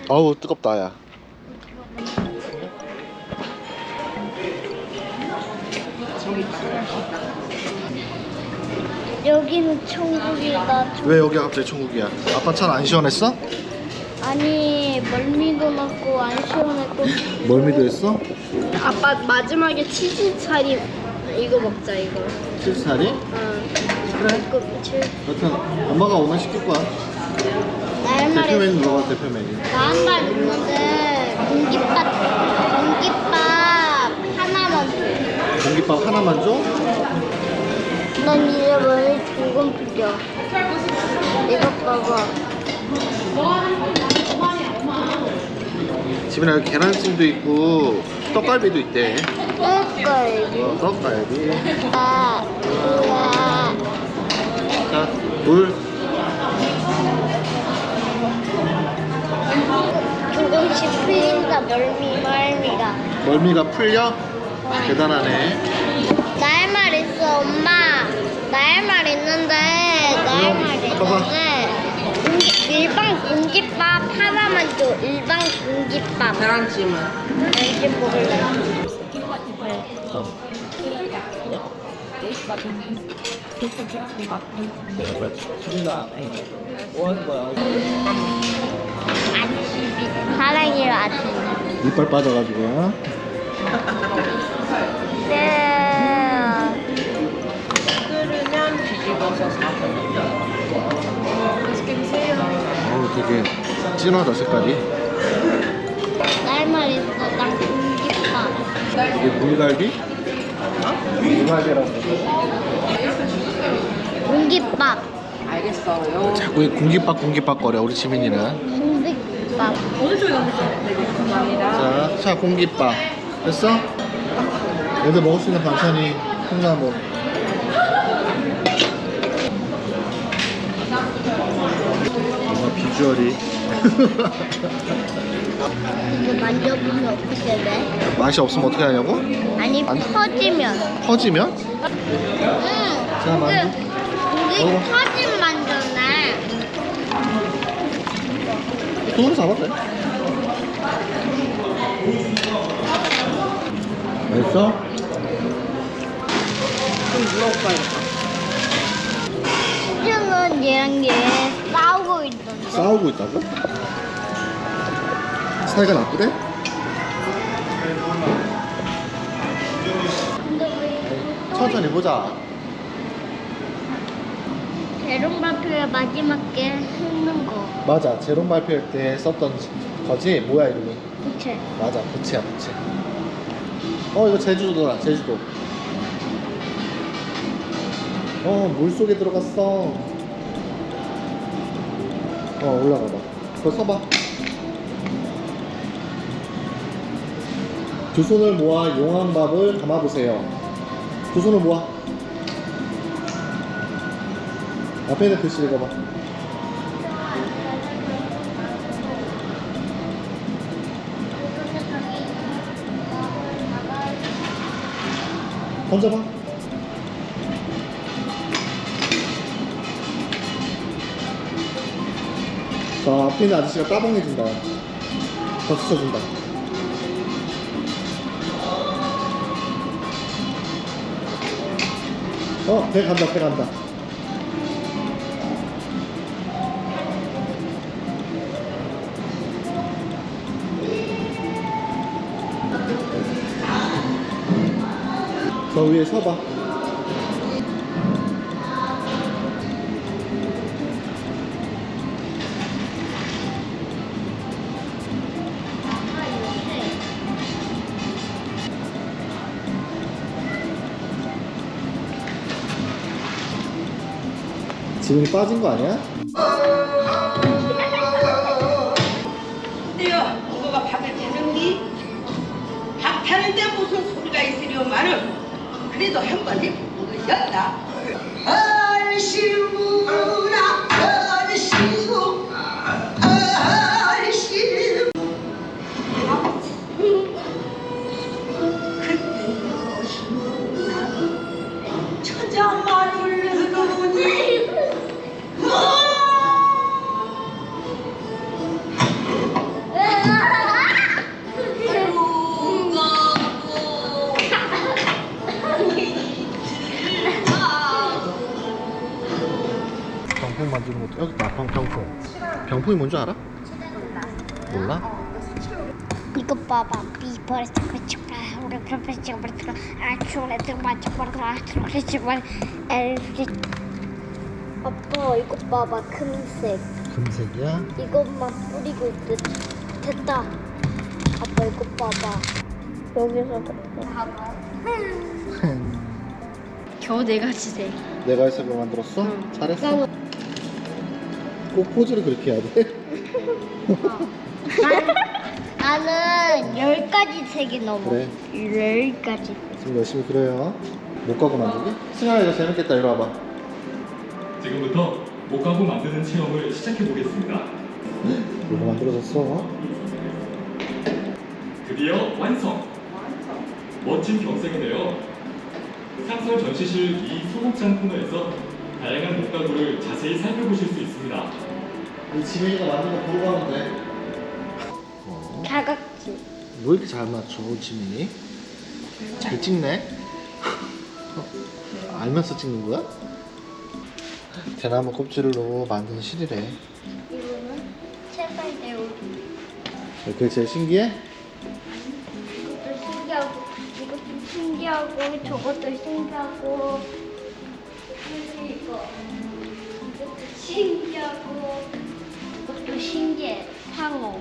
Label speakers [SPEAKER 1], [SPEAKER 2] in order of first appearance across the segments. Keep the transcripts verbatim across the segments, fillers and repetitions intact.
[SPEAKER 1] 어우 뜨겁다 야.
[SPEAKER 2] 여기는 천국이다.
[SPEAKER 1] 왜 여기가 갑자기 천국이야? 아빠 차는 안 시원했어?
[SPEAKER 2] 아니 멀미도 났고 안 시원했고.
[SPEAKER 1] 멀미도 했어?
[SPEAKER 2] 아빠 마지막에 치즈 차림 이거 먹자 이거.
[SPEAKER 1] 칠살이?
[SPEAKER 2] 응.
[SPEAKER 1] 그래.
[SPEAKER 2] 이거 칠.
[SPEAKER 1] 여튼 엄마가 오늘 시킬 거야.
[SPEAKER 2] 나한
[SPEAKER 1] 대표 메뉴
[SPEAKER 2] 말
[SPEAKER 1] 먹어 대표 메뉴.
[SPEAKER 2] 나한 말 있는데 공깃밥 공깃밥 하나만 줘.
[SPEAKER 1] 공깃밥 하나만 줘?
[SPEAKER 2] 난 이제 머리 조금 풀려. 이거 봐봐.
[SPEAKER 1] 집에 여기 계란찜도 있고 떡갈비도 있대.
[SPEAKER 2] 떡갈비.
[SPEAKER 1] 어, 떡갈비.
[SPEAKER 2] 아, 우와.
[SPEAKER 1] 자, 물.
[SPEAKER 2] 조금씩 풀린다 멀미 멀미가.
[SPEAKER 1] 멀미가 풀려? 대단하네.
[SPEAKER 2] 나 할 말 있어 엄마. 나 할 말 있는데 나 할 말 있는데 공기, 일반 공깃밥 하나만 줘. 일반 공깃밥.
[SPEAKER 3] 계란찜은
[SPEAKER 2] 계란찜 먹을래. 아침이 사랑해요 아침.
[SPEAKER 1] 이빨 빠져가지고요.
[SPEAKER 2] 네.
[SPEAKER 3] 끓으면 뒤집어서 사서 맛있게 드세요.
[SPEAKER 1] 어우 되게 진하다 색깔이.
[SPEAKER 2] 나 할 말 있어. 나 공깃밥.
[SPEAKER 1] 이게 물갈비? 물갈비라고.
[SPEAKER 2] 공깃밥.
[SPEAKER 3] 알겠어요.
[SPEAKER 1] 자꾸 이 공깃밥 공깃밥 거려 우리 지민이는.
[SPEAKER 2] 공깃밥.
[SPEAKER 3] 어느 쪽에 오셨어요? 네, 감사합니다.
[SPEAKER 1] 자, 자 공깃밥 됐어? 애들 먹을 수 있는 반찬이 콩나물. 뭔가 비주얼이
[SPEAKER 2] 이거 만져보면 어떻게 돼?
[SPEAKER 1] 맛이 없으면 어떻게 하냐고?
[SPEAKER 2] 아니
[SPEAKER 1] 안-
[SPEAKER 2] 퍼지면.
[SPEAKER 1] 퍼지면?
[SPEAKER 2] 응.
[SPEAKER 1] 자, 만져.
[SPEAKER 2] 이게
[SPEAKER 1] 먹어.
[SPEAKER 2] 퍼진 만져네.
[SPEAKER 1] 손으로 잡아도 돼. 맛있어?
[SPEAKER 3] 좀 물어볼까요?
[SPEAKER 2] 시즌은 얘랑 얘 싸우고 있던데.
[SPEAKER 1] 싸우고 있다고? 사이가 나쁘대? 천천히 보자.
[SPEAKER 2] 대롱 발표의 마지막 게 했는 거.
[SPEAKER 1] 맞아, 제롬 발표할 때 썼던 거지? 뭐야 이름이?
[SPEAKER 2] 부채.
[SPEAKER 1] 맞아, 부채야 부채. 어 이거 제주도다 제주도. 어 물속에 들어갔어. 어 올라가봐. 그거 서봐. 두 손을 모아 용한 밥을 담아보세요. 두 손을 모아. 앞에 있는 글씨 읽어봐. 던져봐. 자, 앞에 있는 아저씨가 따봉해준다. 박수 쳐준다. 어, 배 간다, 배 간다. 저 위에 서봐. 지금이 빠진 거 아니야?
[SPEAKER 4] 근데요, 누가 밥을 타는디? 밥 타는데 무슨 소리가 있으려마는 그래도 한 번 해보는 것이었다. 얼씨구나, 얼씨구, 얼씨구. 그때 너시구나, 천장만을 흐르니 뭐?
[SPEAKER 1] 병풍. 병풍이 뭔지 알아? 몰라?
[SPEAKER 2] 이거 봐봐. 비버스 치과 우리 프로페셔널 치과 아초레 치과 치과 아초레 치과 엘지. 아빠 이거 봐봐. 금색.
[SPEAKER 1] 금색이야?
[SPEAKER 2] 이것만 뿌리고 있듯. 됐다. 아빠 이거 봐봐. 여기서 봐봐. 겨우 네 가지 색.
[SPEAKER 1] 내가 해서 그거 만들었어?
[SPEAKER 2] 응.
[SPEAKER 1] 잘했어. 꼭 포즈를 그렇게 해야 돼?
[SPEAKER 2] 나는 열 가지 색이 넘어.
[SPEAKER 1] 그래.
[SPEAKER 2] 열 가지.
[SPEAKER 1] 지금 열심히 그려요. 목가구 만들기? 승현아 이거 재밌겠다. 이리 와봐.
[SPEAKER 5] 지금부터 목가구 만드는 체험을 시작해 보겠습니다.
[SPEAKER 1] 이거 만들어졌어.
[SPEAKER 5] 드디어 완성! 멋진 경색이네요. 상설 전시실 이 소극장 코너에서 다양한 목가구를 자세히 살펴보실 수 있습니다.
[SPEAKER 1] 이 지민이가 만든 거 보고 가면 돼. 어.
[SPEAKER 2] 사각지.
[SPEAKER 1] 왜 이렇게 잘 맞춰, 지민이? 잘 찍네? 알면서 찍는 거야? 대나무 껍질로 만든 실이래.
[SPEAKER 2] 이거는 세발대우.
[SPEAKER 1] 그게 제일 신기해?
[SPEAKER 2] 이것도 신기하고, 이것도 신기하고, 저것도 신기하고, 그리고 이거, 이것도 신기하고, 이것도 신기해. 상어.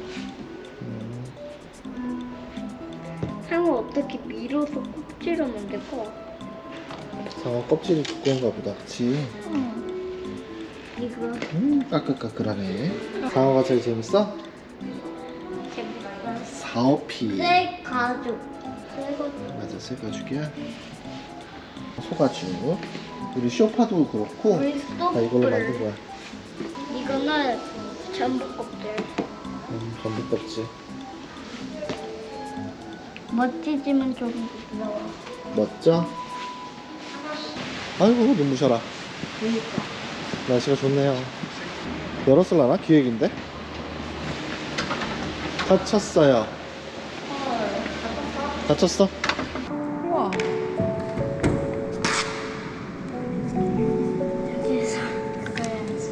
[SPEAKER 2] 상어 어떻게 밀어서 껍질을 만들까?
[SPEAKER 1] 상어 껍질이 두꺼운가 보다, 그치?
[SPEAKER 2] 응. 이거
[SPEAKER 1] 음, 까끌까끌하네. 상어가 제일 재밌어?
[SPEAKER 2] 재밌어.
[SPEAKER 1] 사오피.
[SPEAKER 2] 새 가죽. 새 가죽.
[SPEAKER 1] 맞아, 새가죽이야. 소가죽. 우리 쇼파도 그렇고
[SPEAKER 2] 우리
[SPEAKER 1] 다 이걸로 만든 거야.
[SPEAKER 2] 이거는 전부 껍질.
[SPEAKER 1] 음, 전부 껍질.
[SPEAKER 2] 멋지지만 좀 부드러워.
[SPEAKER 1] 멋져? 아이고, 눈부셔라.
[SPEAKER 2] 그러니까.
[SPEAKER 1] 날씨가 좋네요. 열었을라나? 기획인데? 닫혔어요. 닫혔어?
[SPEAKER 3] 우와.
[SPEAKER 2] 여기서 그래야지.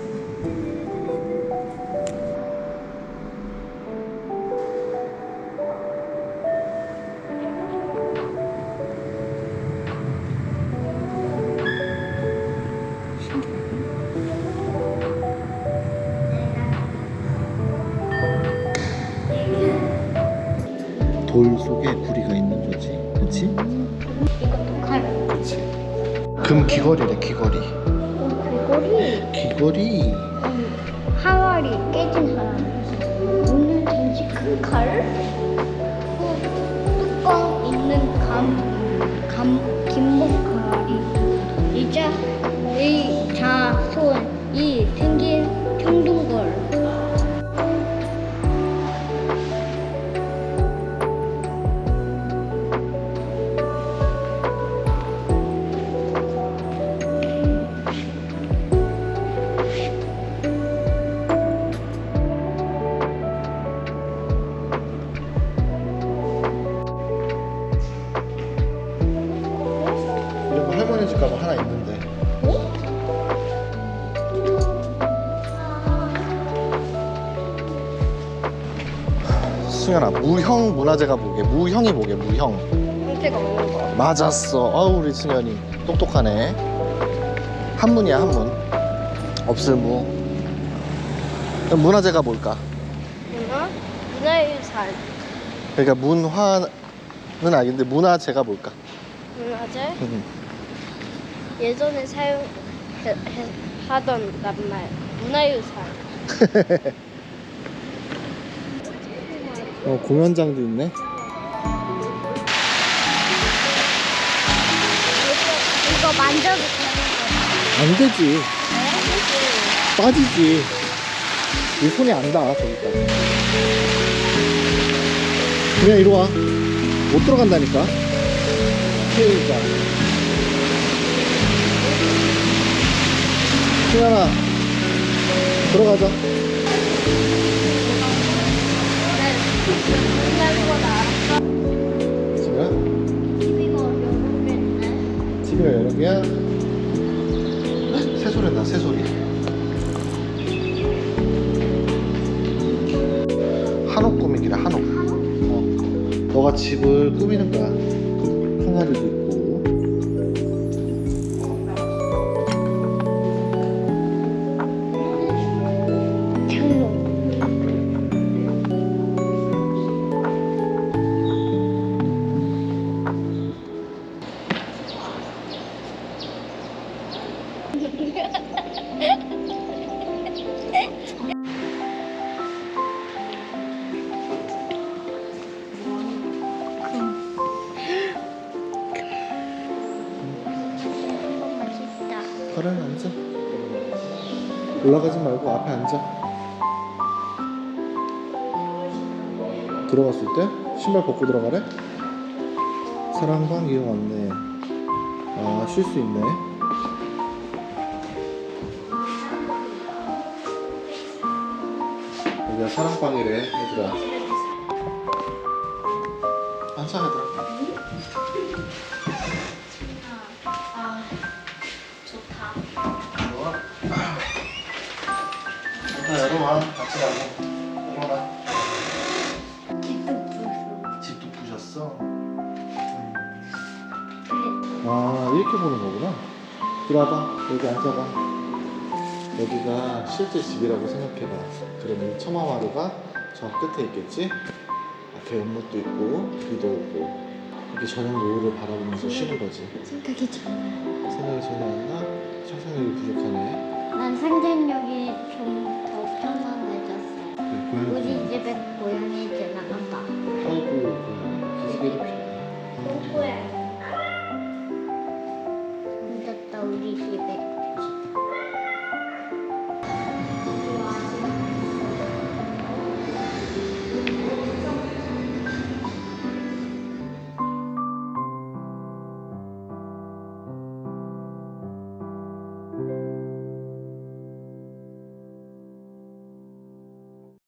[SPEAKER 1] 돌 속에 구리가 있는 거지. 그치?
[SPEAKER 2] 이것도 칼.
[SPEAKER 1] 그치. 금 귀걸이래, 귀걸이.
[SPEAKER 2] 어, 귀걸이.
[SPEAKER 1] 귀걸이.
[SPEAKER 2] 음, 항아리 깨진 항아리. 오늘 전시 큰 칼. 또 뚜껑 있는 감, 감, 김목 항아리. 이자, 이 자손이 생긴 청둥걸.
[SPEAKER 1] 이런 거 할머니 집 가면 하나 있는데. 승현아, 무형 문화재가 뭐게? 무형이 뭐게? 무형.
[SPEAKER 2] 형태가 없는 거.
[SPEAKER 1] 맞았어. 아우, 우리 승현이 똑똑하네. 한문이야, 한문. 없을 무. 그럼 문화재가 뭘까?
[SPEAKER 2] 문화? 문화유산.
[SPEAKER 1] 그러니까 문화는 알겠는데 문화재가 뭘까?
[SPEAKER 2] 문화재? 예전에 사용하던 낱말. 문화유산.
[SPEAKER 1] 어, 공연장도 있네.
[SPEAKER 2] 이거 만져도 되는
[SPEAKER 1] 안 되지.
[SPEAKER 2] 거
[SPEAKER 1] 빠지지. 이 손이 안 닿아, 저기까지. 그냥 이리 와. 못 들어간다니까. 그러니까. 승현아, 들어가자. 승현아,
[SPEAKER 2] TV가 여러 개 있네.
[SPEAKER 1] 티비가 여러 개야? 새소리 나, 새소리. 너가 집을 꾸미는 거야. 항아리도 있고.
[SPEAKER 2] 장롱. 맛있다.
[SPEAKER 1] 그래, 앉아. 올라가지 말고 앞에 앉아. 들어갔을 때 신발 벗고 들어가래? 사랑방 이용 안내. 아, 쉴 수 있네. 여기가 사랑방이래, 얘들아. 앉아, 얘들아.
[SPEAKER 2] 아, 좋다.
[SPEAKER 1] 좋아. 자, 열어봐. 같이 가고. 열어봐.
[SPEAKER 2] 집도 부수.
[SPEAKER 1] 집도 부셨어? 아, 이렇게 보는 거구나. 들어와봐. 여기 앉아봐. 여기가 실제 집이라고 생각해봐. 그러면 처마마루가 저 끝에 있겠지? 앞에 연못도 있고 비도 오고 이렇게 저녁 노을을 바라보면서 쉬는 거지.
[SPEAKER 2] 생각이 좋아.
[SPEAKER 1] 생각이 전혀 안 나? 상상력이 부족하네.
[SPEAKER 2] 난 상상력이 좀 더 편안해졌어.
[SPEAKER 1] 그래, 고양이
[SPEAKER 2] 우리
[SPEAKER 1] 키우는
[SPEAKER 2] 집에 고양이 지나간다.
[SPEAKER 1] 아이고, 고양이 기지개도 필요해.
[SPEAKER 2] 뽀뽀해.